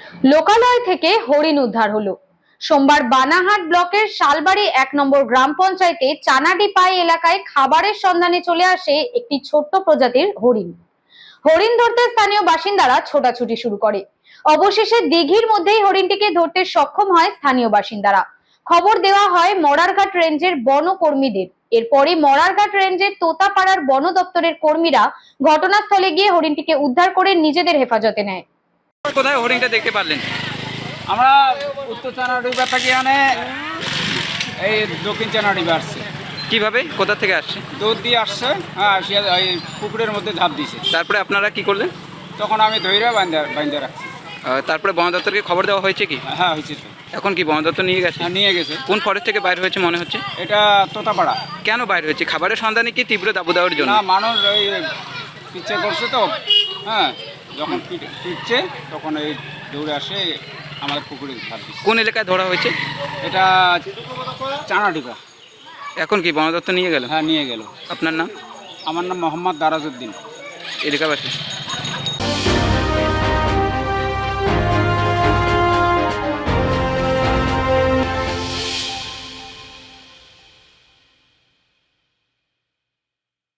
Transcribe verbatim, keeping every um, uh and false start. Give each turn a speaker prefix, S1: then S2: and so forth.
S1: লোকালয় থেকে হরিণ উদ্ধার হলো। সোমবার বানাহাট ব্লকের শালবাড়ি এক নম্বর গ্রাম পঞ্চায়েতে চানাডিপাই এলাকায় খাবারের সন্ধানে চলে আসে একটি ছোট্ট প্রজাতির হরিণ। হরিণ ধরতে স্থানীয় বাসিন্দারা ছোটাছুটি শুরু করে। অবশেষে দিঘির মধ্যেই হরিণটিকে ধরতে সক্ষম হয় স্থানীয় বাসিন্দারা। খবর দেওয়া হয় মরারঘাট রেঞ্জের বনকর্মীদের। এরপরই মরারঘাট রেঞ্জের তোতাপাড়ার বন দপ্তরের কর্মীরা ঘটনাস্থলে গিয়ে হরিণটিকে উদ্ধার করে নিজেদের হেফাজতে নেয়।
S2: কোথায় হরিণটা দেখতে পারলেন?
S3: আমরা উত্তর চানাডিবা থেকে আনে এই দক্ষিণ চানাডিবা আসছে।
S2: কিভাবে, কোথা থেকে আসছে?
S3: দৌড় দিয়ে আসছে, হ্যাঁ আসিয়া এই পুকুরের মধ্যে ঝাঁপ দিছে।
S2: তারপরে আপনারা কি করলেন?
S3: তখন আমি ধৈর্য বান্ধা বান্ধা রাখছি।
S2: আহ, তারপরে বন দপ্তরকে খবর দেওয়া হয়েছে কি?
S3: হ্যাঁ হয়েছে তো।
S2: এখন কি বন দপ্তর নিয়ে গেছে?
S3: হ্যাঁ নিয়ে গেছে।
S2: কোন ফরেস্ট থেকে বাইরে হয়েছে মনে হচ্ছে?
S3: এটা তোতাপাড়া।
S2: কেন বাইরে হয়েছে? খাবারের সন্ধানে কি তীব্র দাবদাহের জন্য?
S3: না, মানুষ ওই পিচ্ছে করছে তো, হ্যাঁ যখন পিট- পিটছে তখন এই দৌড়ে আসে আমাদের পুকুরে ঝাঁপ দিচ্ছে।
S2: কোন এলাকায় ধরা হয়েছে?
S3: এটা চানাডিবা।
S2: এখন কি বন দপ্তর নিয়ে গেল?
S3: হ্যাঁ নিয়ে গেল।
S2: আপনার নাম?
S3: আমার নাম মোহাম্মদ দারাজউদ্দিন।
S2: এলাকাবাসী।